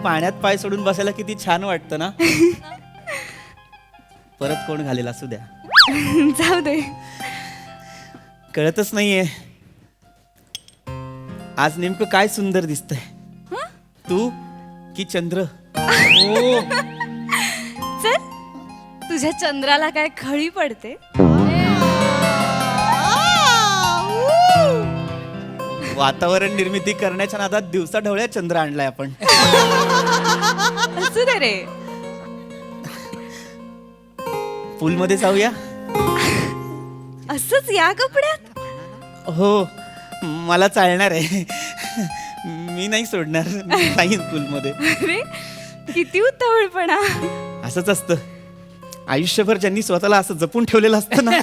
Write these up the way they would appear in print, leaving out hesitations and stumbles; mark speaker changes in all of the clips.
Speaker 1: पाण्यात पाय सोडून बसायला किती छान वाटतं ना. परत कोण घालेल असू द्या.
Speaker 2: जाऊ दे.
Speaker 1: कळतच नाहीये आज नेमकं काय सुंदर दिसतंय, तू की चंद्र.
Speaker 2: चल, तुझ्या चंद्राला काय खळी पडते.
Speaker 1: वातावरण निर्मिती करण्याच्या नादात दिवसा ढवळ्या चंद्र आणलाय आपण.
Speaker 2: असू दे रे.
Speaker 1: पूल मध्ये जाऊया.
Speaker 2: असंच या कपड्यात.
Speaker 1: हो, मला चालणार आहे. मी नाही सोडणार. नाही पूल मध्ये.
Speaker 2: अरे किती उतावळपणा.
Speaker 1: असंच असतं आयुष्यभर. ज्यांनी स्वतःला असं जपून ठेवलेलं असतं ना,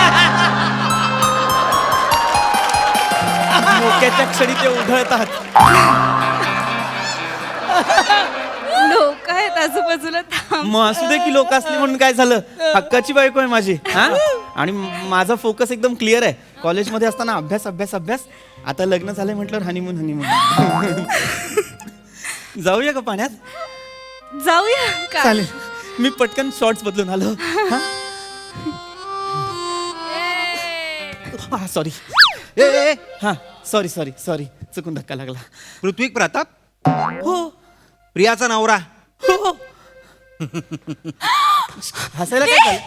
Speaker 1: मोक्याच्या क्षणी ते उधळतात.
Speaker 2: लोक आहेत आजूबाजूला. थांब.
Speaker 1: मग असू दे की लोक असली म्हणून काय झालं. हक्काची बायको आहे माझी. हा, आणि माझा फोकस एकदम क्लिअर आहे. कॉलेजमध्ये असताना अभ्यास अभ्यास अभ्यास. आता लग्न झालंय म्हटल्यावर हनीमून हनीमून. जाऊया का पाण्यात.
Speaker 2: जाऊया का.
Speaker 1: चालेल, मी पटकन शॉर्ट्स बदलून आलो. सॉरी. हा, सॉरी सॉरी सॉरी, चुकून धक्का लागला.
Speaker 3: पृथ्वी प्रताप,
Speaker 1: हो
Speaker 3: प्रियाचा नवरा.
Speaker 1: हो. हसायला काय झालं?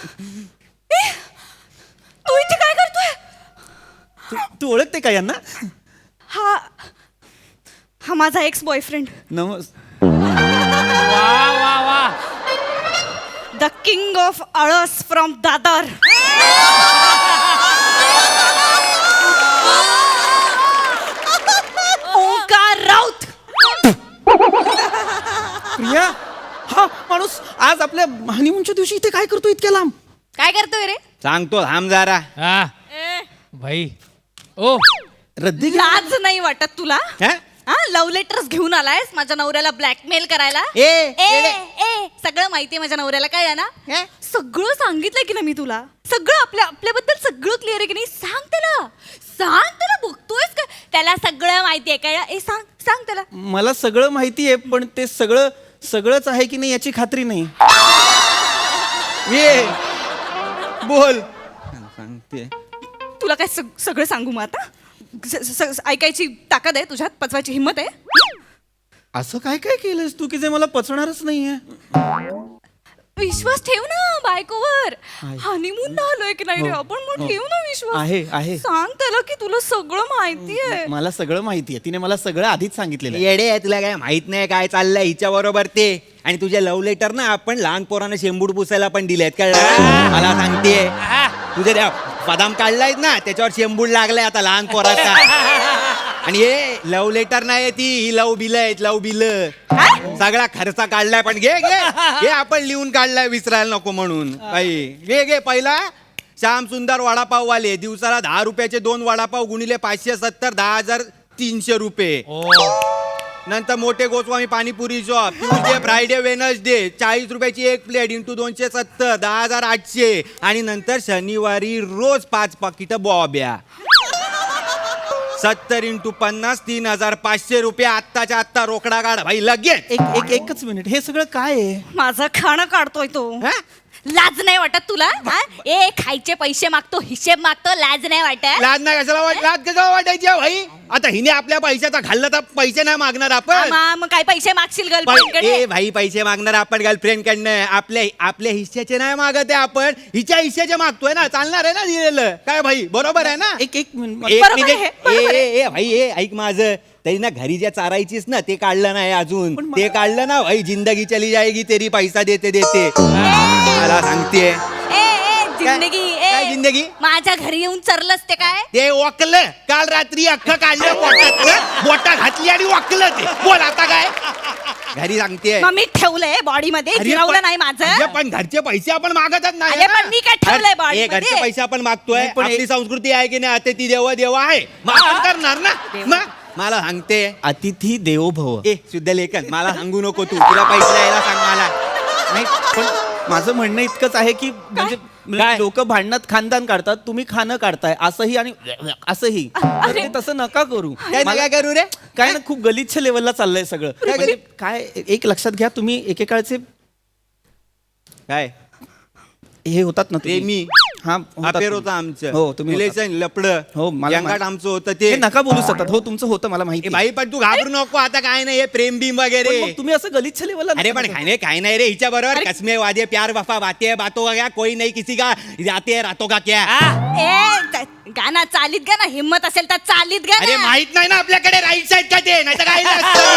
Speaker 2: तू इथे काय करतोय.
Speaker 1: तू ओळखते का यांना.
Speaker 2: हा हा माझा ex boyfriend, the king of आळस फ्रॉम दादर. ओंकार राऊत.
Speaker 1: प्रिया, हा माणूस आज आपल्या हनीमूनच्या दिवशी इथे काय करतो इतक्या लांब.
Speaker 2: काय करतोय रे.
Speaker 3: सांगतो थांब जरा.
Speaker 4: हा भाई. ओ
Speaker 1: रद्दी
Speaker 2: लाज नाही वाटत तुला.
Speaker 3: हा?
Speaker 2: हा, लव्ह लेटर्स घेऊन आलायस माझ्या नवऱ्याला ब्लॅकमेल करायला.
Speaker 3: ए,
Speaker 2: सगळं माहितीये माझ्या नवऱ्याला. काय आहे ना, सगळं सांगितलंय की ना मी तुला. सगळं आपल्याबद्दल सगळं क्लिअर आहे की नाही. सांग त्याला बघतोयस का. त्याला सगळं माहितीये काय. सांग त्याला.
Speaker 1: मला सगळं माहिती आहे, पण ते सगळंच आहे की नाही याची खात्री नाही.
Speaker 3: ये बोल. सांगते.
Speaker 2: तुला काय सगळं सांगू मग आता. ऐकायची ताकद आहे तुझ्यात, पचवायची हिंमत आहे.
Speaker 1: असं काय काय केलंस तू की जे मला पचणारच नाहीये.
Speaker 2: विश्वास ठेव ना बायकोवर.
Speaker 1: आहे.
Speaker 2: हनीमून ना आलोय की नाही रे
Speaker 1: हो,
Speaker 2: आपण. मग
Speaker 1: हो.
Speaker 2: ठेव ना विश्वास.
Speaker 1: आहे.
Speaker 2: सांग त्याला की तुला सगळं माहितीये.
Speaker 1: मला सगळं माहितीये. तिने मला सगळं आधीच सांगितलेलं आहे.
Speaker 3: येडे आहे, तुला काय माहित नाही काय चाललंय हिच्या बरोबर ते. आणि तुझे लव्ह लेटर ना आपण लहान पोरांना शेंबूड पुसायला पण दिलेत. कळलं. मला सांगते तुझे त्या बदाम काढलायत ना त्याच्यावर शेंबूड लागलाय आता लहान पोराचा. आणि हे लव्ह लेटर नाही ती, ही लव बिल आहेत. लव बिल सगळा खर्च काढलाय. पण घे आपण लिहून काढलाय विसरायला नको म्हणून. बाई घे पहिला. श्याम सुंदर वडापाव वाले दिवसाला 10 रुपयाचे 2 वडापाव गुणिले 570, 10,300 रुपये. नंतर मोठे Goswami panipuri shop Tuesday Friday Wednesday 40 रुपयाची 1 प्लेट इंटू 270, 10,800. आणि नंतर शनिवारी रोज 5 पाकिटं बॉब्या. 70 इंटू 50, 3,500 रुपये. आत्ताच्या आत्ता रोकडा काढ भाई लगेच.
Speaker 1: एकच मिनिट, हे सगळं काय आहे.
Speaker 2: माझं खाणं काढतोय तो.
Speaker 3: हा?
Speaker 2: लाज नाही वाटत तुला. हा? खायचे पैसे मागतो, हिशेब मागतो. लाज नाही वाटत.
Speaker 3: लाज नाही कशाला लाज कशाला वाटायची आहे भाई. आता हिने आपल्या पैशाचा खाल्ला तर पैसे नाही मागणार आपण.
Speaker 2: मग काय पैसे मागशील
Speaker 3: ए
Speaker 2: गर्लफ्रेंडकडे.
Speaker 3: भाई पैसे मागणार आपण गर्लफ्रेंड कडनं. आपल्या हिश्श्याचे नाही मागत आहे आपण. हिच्या हिश्श्याचे मागतोय ना. चालणार आहे ना दिलेलं. काय भाई बरोबर आहे ना.
Speaker 1: एक मिनिट.
Speaker 3: एक
Speaker 2: बरोबर
Speaker 3: मिनिट.
Speaker 2: आहे, बरोबर आहे.
Speaker 3: ए भाई ऐक माझं. तरी ना घरी ज्या चारायचीस ना ते काढलं नाही अजून. ते काढलं ना भाई जिंदगी चली जाएगी तेरी पैसा देते देते. मला सांगते
Speaker 2: जिंदगी.
Speaker 3: काय जिंदगी.
Speaker 2: माझ्या घरी येऊन चरलंस ते काय.
Speaker 3: ते वाकलं काल रात्री अख्खं काढलं पोटात. बोटा घातली आणि वाकलं ते. बोल आता काय घरी सांगते.
Speaker 2: मग मी ठेवलंय बॉडी मध्ये. गिरवलं नाही माझं.
Speaker 3: पण घरचे पैसे आपण मागतच नाही
Speaker 2: अरे
Speaker 3: ना.
Speaker 2: पण मी काय ठेवलंय body मध्ये?
Speaker 3: घरचे पैसे आपण मागतोय.
Speaker 1: नाही, पण
Speaker 3: आपली संस्कृती आहे की नाही. आता ती देव आहे मग आपण करणार ना. मग मला सांगते
Speaker 1: अतिथी देवो भव.
Speaker 3: शुद्ध लेखन मला सांगू नको तुला पैसे द्यायला सांग मला.
Speaker 1: नाही, पण माझं म्हणणं इतकंच आहे की म्हणजे लोक भांडणात खानदान काढतात, तुम्ही खाणं काढताय असंही आणि असंही. तर ते तसं नका करू.
Speaker 3: काय करू रे.
Speaker 1: काय ना खूप गलिच्छ लेवलला चाललंय सगळं म्हणजे काय एक लक्षात घ्या तुम्ही एकेकाळचे
Speaker 3: काय
Speaker 1: हे होतात ना तुम्ही.
Speaker 3: प्रेमी
Speaker 1: हा होतात
Speaker 3: अफेअर
Speaker 1: तुम्ही.
Speaker 3: होतं आमचं
Speaker 1: हो तुम्ही होतात.
Speaker 3: रिलेशन लपडं
Speaker 1: हो मला
Speaker 3: यंगाट आमचं होतं
Speaker 1: ते
Speaker 3: ते
Speaker 1: नका बोलू सतत हो तुमचं होतं मला माहिती
Speaker 3: ए बाई पण तू घाबरू नको आता काय नाही हे प्रेम बिम वगैरे
Speaker 1: पण मग तुम्ही असं गलिच्छ लेवलला
Speaker 3: अरे पण काय नाही रे हिच्या बरोबर कसमे वादे प्यार वफा बातें बातों का क्या कोई नहीं किसी का जाते रातों का क्या
Speaker 2: गाना चालीत गा ना हिम्मत असेल तर चालीत गा
Speaker 3: अरे
Speaker 2: ना.
Speaker 3: माहित नाही ना आपल्याकडे राईट साईड का ते नाही तर काय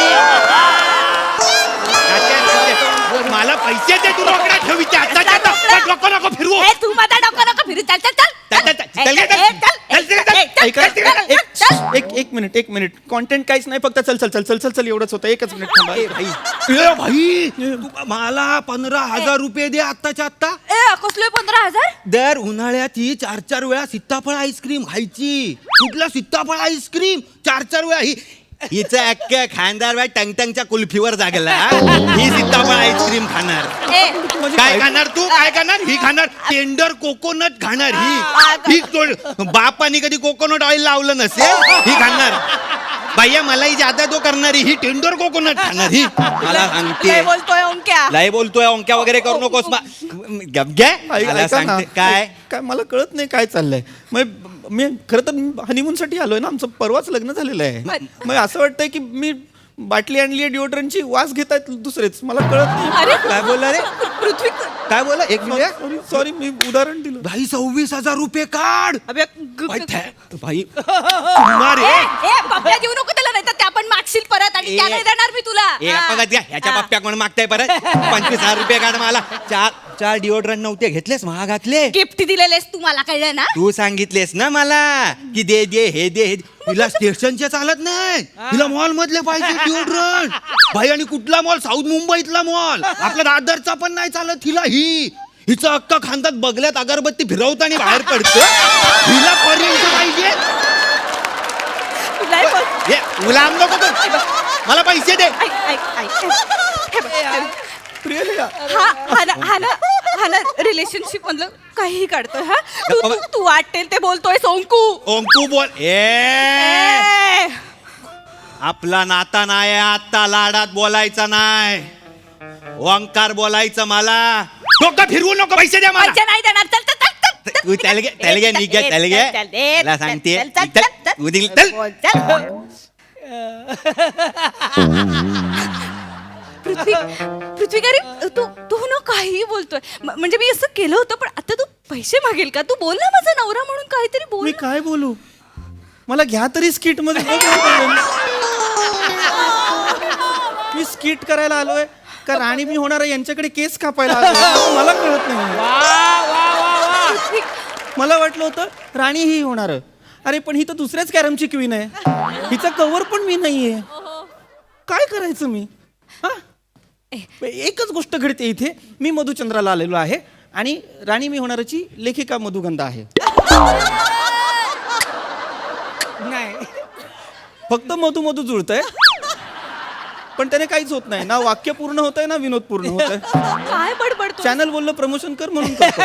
Speaker 3: मला पैसे दे तू रोकडा ठेवीचे नको नको फिरवू
Speaker 2: ए, तू माझा डोकं नको फिरू चल चल चल
Speaker 3: चल, चल, चल, चल,
Speaker 2: ए,
Speaker 3: चल,
Speaker 2: ए, चल,
Speaker 3: चल, चल,
Speaker 2: ए, चल,
Speaker 1: ऐका,
Speaker 2: चल, चल,
Speaker 1: एक-
Speaker 2: चल.
Speaker 1: एक मिनिट कॉन्टेंट काहीच नाही फक्त चल चल चल चल चल चल एवढंच होतं एकच मिनिट थांबा
Speaker 3: ए भाई तू मला 15,000 रुपये दे आत्ताच्या आत्ता
Speaker 2: ए कसले 15,000
Speaker 3: दर उन्हाळ्यात ही 4-4 वेळा सीताफळ आईस्क्रीम खायची कुठला सीताफळ आईस्क्रीम 4-4 वेळा ही हिचं अख्ख्या खानदार बाय टंगटंगच्या कुल्फीवर जागला ही सीताफळ आईस्क्रीम खाणार
Speaker 2: ए
Speaker 3: काय खाणार तू काय खाणार ही खाणार टेंडर कोकोनट खाणार ही बापाने कधी कोकोनट ऑइल लावलं नसेल ही खाणार भैया मलाही ज्यादा तो करणारी ही टेंडर कोकोनट खाणार ही मला सांगते
Speaker 2: लय बोलतोय ओंक्या
Speaker 3: लय बोलतोय ओंक्या वगैरे करू नकोस गप घे मला
Speaker 1: ऐका ना,
Speaker 3: सांगते काय
Speaker 1: काय मला कळत नाही काय चाललंय मग मी खरं तर हनीमून साठी आलोय ना आमचं परवाच लग्न झालेलं आहे मग असं वाटतंय की मी बाटली आणली आहे डिओड्रंटची वास घेत आहेत दुसरेच मला कळत नाही
Speaker 2: अरे
Speaker 3: काय बोलला रे
Speaker 2: पृथ्वी
Speaker 3: काय बोलला एक मिनिट
Speaker 1: सॉरी मी उदाहरण दिलं
Speaker 3: भाई 26,000 रुपये काढ
Speaker 2: अबे
Speaker 3: भाई भाई कुमार
Speaker 2: ए,
Speaker 3: आहे.
Speaker 2: ए, पप्प्या देऊ नको त्याला नाही तर त्या पण मागशील परत आणि
Speaker 3: ए,
Speaker 2: त्या नाही देणार मी तुला
Speaker 3: ए बघत घ्या ह्याच्या
Speaker 2: हा.
Speaker 3: बाप्प्या कोण मागताय परत 25,000 रुपये काढ मला चार डिओड्रंट नव्हते घेतलेस महागातले
Speaker 2: गिफ्ट दिलेलेस तू मला कळलं ना
Speaker 3: तू सांगितलेस ना मला की दे दे हे दे तिला स्टेशनचे चालत नाही तिला मॉल मधले पाहिजे डिओड्रंट भाई आणि कुठला मॉल साऊथ मुंबईतला मॉल आपल्या दादरचा पण नाही चालत हिला हिचं अक्का खांदात बगल्यात अगरबत्ती फिरवताना बाहेर पडतं हिला पर्यंत पाहिजे
Speaker 2: तुला
Speaker 3: हे, गुलाम नको करू. मला पैसे दे
Speaker 2: हा ना रिलेशनशिप मधलं काहीही काढतोय हा तू वाटेल ते बोलतोय सोंकू
Speaker 3: ओंकू बोल ए आपला नाता नाही आत्ता लाडात बोलायचा नाही ओंकार बोलायचं मला डोकं फिरवू नको पैसे द्या मला
Speaker 2: पैसे नाही देणार चल चल चल चल
Speaker 3: तू त्याला घे निघ मला सांगते तू दिल चल
Speaker 2: पृथ्वी का रे तू तू ना काहीही बोलतोय म्हणजे मी असं केलं होतं पण आता तू पैसे मागेल का तू बोल ना माझा नवरा म्हणून काहीतरी बोल
Speaker 1: मी काय बोलू मला घ्या तरी स्किट मध्ये मी स्किट करायला आलोय का राणी मी होणार आहे यांच्याकडे केस कापायला आलोय मला कळत नाही
Speaker 2: पृथ्वी,
Speaker 1: मला वाटलं होतं राणी ही होणार अरे पण ही तर दुसऱ्याच कॅरमची क्वीन आहे हिचा कव्हर पण मी नाहीये काय करायचं मी हा एकच गोष्ट घडते इथे मी मधुचंद्राला आलेलो आहे आणि राणी मी होणारची लेखिका मधुगंधा आहे
Speaker 4: नाही
Speaker 1: फक्त मधू मधू जुळतंय पण त्याने काहीच होत नाही ना वाक्य पूर्ण होत आहे ना विनोद पूर्ण होत आहे
Speaker 2: काय बडबडतो
Speaker 1: चॅनल बोललं प्रमोशन कर म्हणून करतो.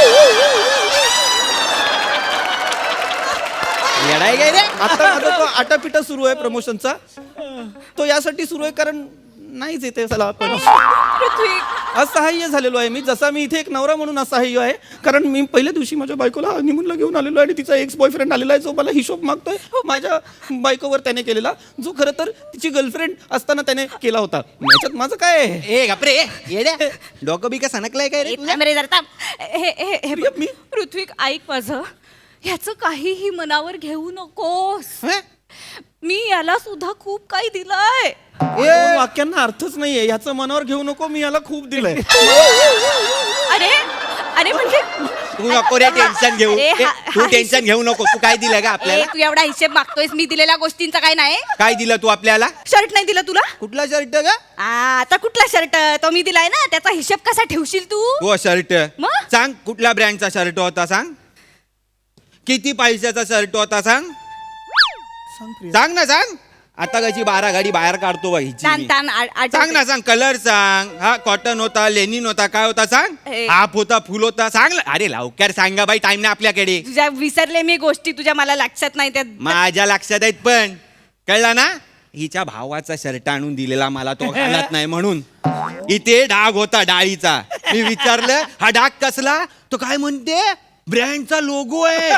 Speaker 3: येडाय काय रे
Speaker 1: आता माझा तो आटापिटा सुरू आहे प्रमोशनचा तो यासाठी सुरू आहे कारण नाहीच येते चला आपण
Speaker 2: पृथ्वी
Speaker 1: असहाय्य झालेलो आहे मी जसा मी इथे एक नवरा म्हणून असहाय्य आहे कारण मी पहिल्या दिवशी माझ्या बायकोला हनीमूनला घेऊन आलेलो आहे आणि तिचा एक्स बॉयफ्रेंड आलेला आहे जो मला हिशोब मागतोय माझ्या बायकोवर त्याने केलेला जो खरं तर तिची गर्लफ्रेंड असताना त्याने केला होता याच्यात माझं काय आहे
Speaker 3: ए गपरे येड्या डोकं बी का सणकलाय काय रे तुझं?
Speaker 2: हे हे
Speaker 1: प्रिया, मी
Speaker 2: पृथ्वी ऐक माझं ह्याचं काहीही मनावर घेऊ नकोस
Speaker 3: हं?
Speaker 2: मी याला सुद्धा खूप काही दिलंय
Speaker 1: दोन वाक्यांना अर्थच नाहीये ह्याचं मनावर घेऊ नको मी याला खूप दिलंय
Speaker 2: अरे अरे म्हणजे
Speaker 3: तू नको रे टेन्शन घेऊ
Speaker 2: अरे,
Speaker 3: ए, तू टेन्शन घेऊ नको तू काय दिलं का
Speaker 2: ए,
Speaker 3: आपल्याला
Speaker 2: तू एवढा हिशेब मागतोयस मी दिलेल्या गोष्टींचा काय नाही
Speaker 3: काय दिलं तू आपल्याला
Speaker 2: शर्ट नाही दिला तुला
Speaker 3: कुठला शर्ट का
Speaker 2: आता कुठला शर्ट तो मी दिलाय ना त्याचा हिशेब कसा ठेवशील तू
Speaker 3: हो शर्ट
Speaker 2: मग?
Speaker 3: सांग कुठल्या ब्रँडचा शर्ट होता सांग किती पैशाचा शर्ट होता सांग
Speaker 1: सांग प्रिया.
Speaker 3: सांग ना सांग आता कशी 12 गाडी बाहेर काढतो बा हिची
Speaker 2: तान
Speaker 3: मी.
Speaker 2: तान
Speaker 3: सांग ना सांग कलर सांग हा कॉटन होता लेनिन होता काय होता सांग
Speaker 2: ए.
Speaker 3: हाफ होता फुल होता सांग अरे लवकर सांगा बाई टाइम नाही आपल्याकडे
Speaker 2: तुझ्या विसरले मी गोष्टी तुझ्या मला लक्षात नाही त्या
Speaker 3: माझ्या लक्षात आहेत पण कळला ना हिच्या भावाचा शर्ट आणून दिलेला मला तो घालत नाही म्हणून. इथे डाग होता डाळीचा. मी विचारलं हा डाग कसला, तो काय म्हणते ब्रँडचा लोगो आहे.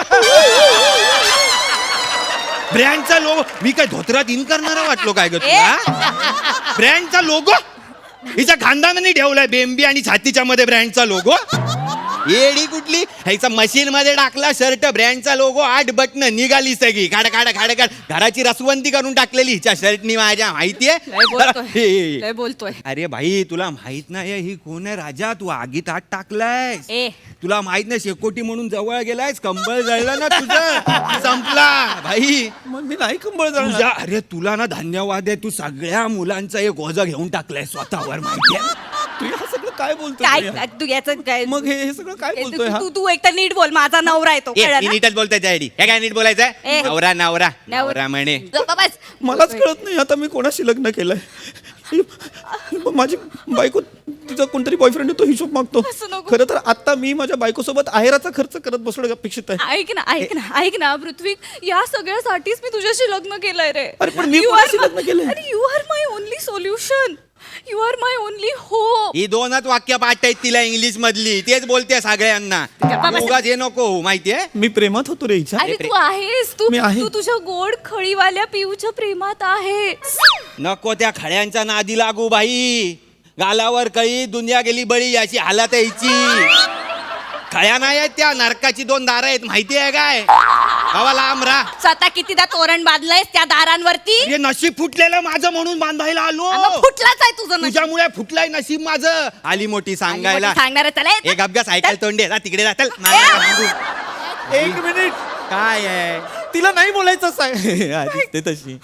Speaker 3: ब्रँडचा लोगो. मी काय धोत्रात इन करणारा वाटलो काय ग तुला? ब्रँडचा लोगो हिच्या खानदानाने ठेवलाय बेंबी आणि छातीच्या मध्ये ब्रँडचा लोगो. येडी कुठली, ह्याचा मशीन मध्ये टाकला शर्ट, ब्रँडचा लोगो, 8 बटन, निघाली सगळी खाड खाड खाड खाड. घराची रसवंती करून टाकलेली हिच्या शर्टनी माझ्या, माहितीये?
Speaker 2: लय बोलतोय.
Speaker 3: अरे भाई तुला माहित नाही ही कोण आहे राजा, तू आगीत हात टाकलाय.
Speaker 2: ए
Speaker 3: तुला माहित नाही शेकोटी म्हणून जवळ गेलायस, कंबळ जळलं ना तुझं, संपला भाई.
Speaker 1: मग मी नाही कंबळ
Speaker 3: तुझ्या
Speaker 1: जाणार.
Speaker 3: अरे तुला ना धन्यवाद आहे, तू सगळ्या मुलांचा एक ओझं घेऊन टाकलाय स्वतःवर, माहितीये?
Speaker 1: तू हे सगळं काय बोलतोय
Speaker 2: काय
Speaker 1: प्रिया?
Speaker 2: तू याचं काय
Speaker 1: मग हे सगळं काय बोलतोय हा?
Speaker 2: तू तू एकतर नीट बोल, माझा नवरा आहे तो,
Speaker 3: ए,
Speaker 2: कळलं
Speaker 3: ती
Speaker 2: ना?
Speaker 3: नीटच बोलताय डॅडी. हे काय नीट बोलायचंय?
Speaker 2: ए.
Speaker 3: नवरा नवरा नवरा म्हणे.
Speaker 2: गप्प बस.
Speaker 1: मलाच कळत नाही आता मी कोणाशी लग्न केलंय. माझी बायको तिचा कोणतरी बॉयफ्रेंड तो हिशोब मागतो.
Speaker 2: असं नको.
Speaker 1: खरं तर आता मी माझ्या बायकोसोबत आहेराचा खर्च करत बसणं अपेक्षित आहे.
Speaker 2: ऐक ना पृथ्वी, या सगळ्यासाठीच मी तुझ्याशी लग्न केलंय रे.
Speaker 1: अरे पण मी कोणाशी लग्न केलंय?
Speaker 2: अरे you are my only solution, you are my only hope.
Speaker 3: ही 2च वाक्य पाठ आहेत तिला इंग्लिश मधली, तेच बोलते सगळ्यांना.
Speaker 2: गप्पा बस.
Speaker 3: उगाच हे नको होऊ, माहितीये?
Speaker 1: मी प्रेमात होतो रे हिच्या.
Speaker 2: अरे तू आहेस, तू
Speaker 1: मी आहे.
Speaker 2: तू तुझ्या गोड खळीवाल्या पिऊच्या प्रेमात आहेस.
Speaker 3: नको त्या खड्यांच्या नादी लागू बाई. गालावर कळी दुनिया गेली बळी, अशी हालत आहे हिची. खळ्या नाही आहेत त्या, नरकाची 2 दारं आहेत, माहिती आहे काय? हवा लांब राहा.
Speaker 2: स्वतः कितीदा तोरण बांधलंयस त्या दारांवरती.
Speaker 3: हे नशीब फुटलेलं माझं म्हणून बांधायला आलो.
Speaker 2: मग फुटलाच आहे तुझं नशीब.
Speaker 3: तुझ्यामुळे फुटलाय नशीब माझं. आली मोठी सांगायला.
Speaker 2: सांगणार चला
Speaker 3: एक अपघात सायकल तोंडे जा तिकडे जातल.
Speaker 1: एक मिनिट,
Speaker 3: काय आहे
Speaker 1: तिला नाही बोलायचं आधीच ते तशी.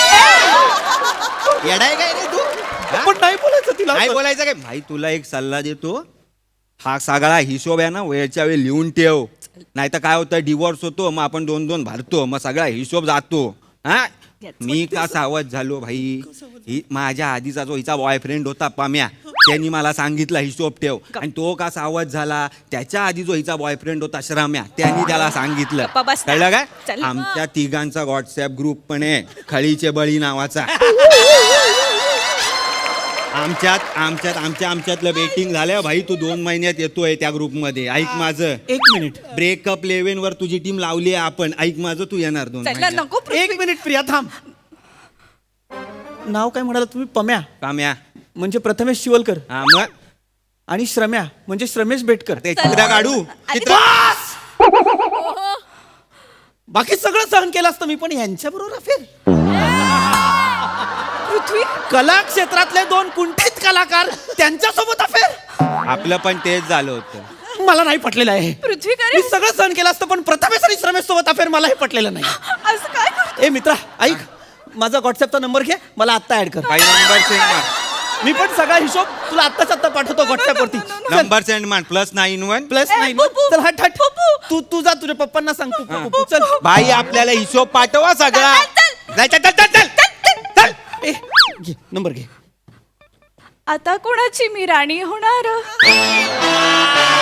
Speaker 3: येडाय काय रे तू? हा?
Speaker 1: पण नाही बोलायचं तिला.
Speaker 3: नाही बोलायचं काय भाई, तुला एक सल्ला देतो. हा सगळा हिशोब आहे ना वेळच्या वेळी लिहून ठेव, नाही तर काय होतं डिवोर्स होतो, मग आपण 2-2 भरतो, मग सगळा हिशोब जातो. हा मी का सावध झालो भाई, ही माझ्या आधीचा जो हिचा बॉयफ्रेंड होता पाम्या, त्यांनी मला सांगितलं हिशोब ठेव. आणि तो का सावध झाला, त्याच्या आधी जो हिचा बॉयफ्रेंड होता श्रम्या, त्यांनी त्याला सांगितलं.
Speaker 2: गप्पा बस ना.
Speaker 3: कळलं काय?
Speaker 2: चल.
Speaker 3: आमच्या तिघांचा व्हॉट्सअप ग्रुप पण आहे, खळीचे बळी नावाचा. आमच्यातलं बेटिंग झालं भाई. तू 2 महिन्यात येतोय त्या ग्रुप मध्ये. ऐक माझं,
Speaker 1: एक मिनिट,
Speaker 3: ब्रेकअप 11 वर तुझी टीम लावली आहे आपण. ऐक माझं, तू येणार 2
Speaker 2: चला
Speaker 3: महिन्यात.
Speaker 2: नको पृथ्वी.
Speaker 1: एक मिनिट प्रिया थांब. नाव काय म्हणाला तुम्ही? पम्या
Speaker 3: काम्या.
Speaker 1: म्हणजे प्रथमेश शिवलकर
Speaker 3: हा मग
Speaker 1: आणि श्रम्या म्हणजे श्रमेश बेटकर.
Speaker 3: ते चित्र काढू.
Speaker 2: अरे
Speaker 3: चित्र
Speaker 1: बाकी सगळं सहन केलं असतं मी, पण यांच्या बरोबर अफेअर.
Speaker 2: पृथ्वी
Speaker 1: कला क्षेत्रातले 2 कुंठित कलाकार त्यांच्यासोबत अफेअर.
Speaker 3: आपलं पण तेच झालं होतं.
Speaker 1: मला नाही पटलेलं आहे.
Speaker 2: पृथ्वी
Speaker 1: मी
Speaker 2: करे
Speaker 1: सगळं सहन केलं असतं, पण प्रथमेश आणि श्रमेश सोबत अफेअर मला हे पटलेलं नाही.
Speaker 2: असं काय करतो?
Speaker 1: ए मित्रा ऐक, माझा व्हॉट्सअपचा नंबर घे, मला आत्ता ऍड कर.
Speaker 3: काही नंबर सेंड मार.
Speaker 1: मी पण सगळा हिशोब तुला आत्ताच आत्ता पाठवतो व्हॉट्सअप वरती.
Speaker 3: नंबर सेंड मार. +91.
Speaker 1: +9.
Speaker 2: पप्पू.
Speaker 1: चल हट हट. तू जा तुझ्या पप्पांना सांग. तू चल.
Speaker 3: भाई आपल्याला हिशोब पाठवा सगळा.
Speaker 2: चल,
Speaker 3: चल, चल, चल, चल, चल, चल.
Speaker 1: ए घे नंबर घे.
Speaker 2: आता कोणाची मी राणी होणार?